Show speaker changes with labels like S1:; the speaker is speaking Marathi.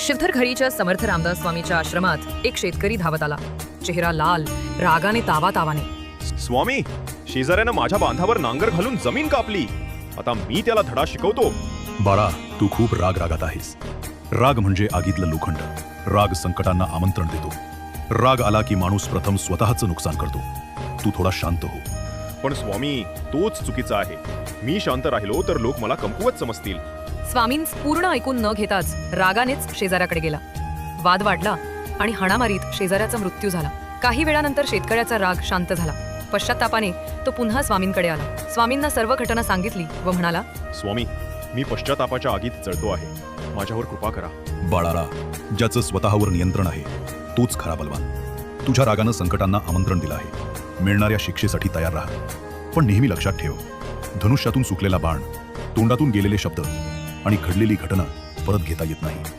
S1: शिवथरखडीच्या समर्थ रामदास स्वामीच्या आश्रमात एक शेतकरी धावत आला. चेहरा लाल, रागाने तावातावाने.
S2: स्वामी, शेजाऱ्यानं माझ्या बांधावर नांगर घालून जमीन कापली. आता मी त्याला धडा शिकवतो.
S3: बाळा, तू खूप रागात आहेस. राग म्हणजे आगीतलं लोखंड. राग संकटांना आमंत्रण देतो. राग आला की माणूस प्रथम स्वतःचं नुकसान करतो. तू थोडा शांत हो.
S2: पण स्वामी, तोच चुकीचा आहे. मी शांत राहिलो तर लोक मला कमकुवत समजतील.
S1: स्वामींस पूर्ण ऐकून न घेताच रागानेच शेजाऱ्याकडे गेला. वाद वाढला आणि हाणामारीत शेजाऱ्याचा मृत्यू झाला. काही वेळानंतर शेतकऱ्याचा राग शांत झाला. पश्चात्तापाने तो पुन्हा स्वामींकडे आला. स्वामींना सर्व घटना सांगितली व म्हणाला,
S2: स्वामी, मी पश्चातापाच्या आगीत जळतो आहे. माझ्यावर कृपा करा.
S3: बाळाला, ज्याचं स्वतःवर नियंत्रण आहे तोच खरा बलवान. तुझ्या रागानं संकटांना आमंत्रण दिलं आहे. मिळणाऱ्या शिक्षेसाठी तयार राहा. पण नेहमी लक्षात ठेव, धनुष्यातून सुकलेला बाण, तोंडातून गेलेले शब्द आणि घडलेली घटना परत घेता येत नाही.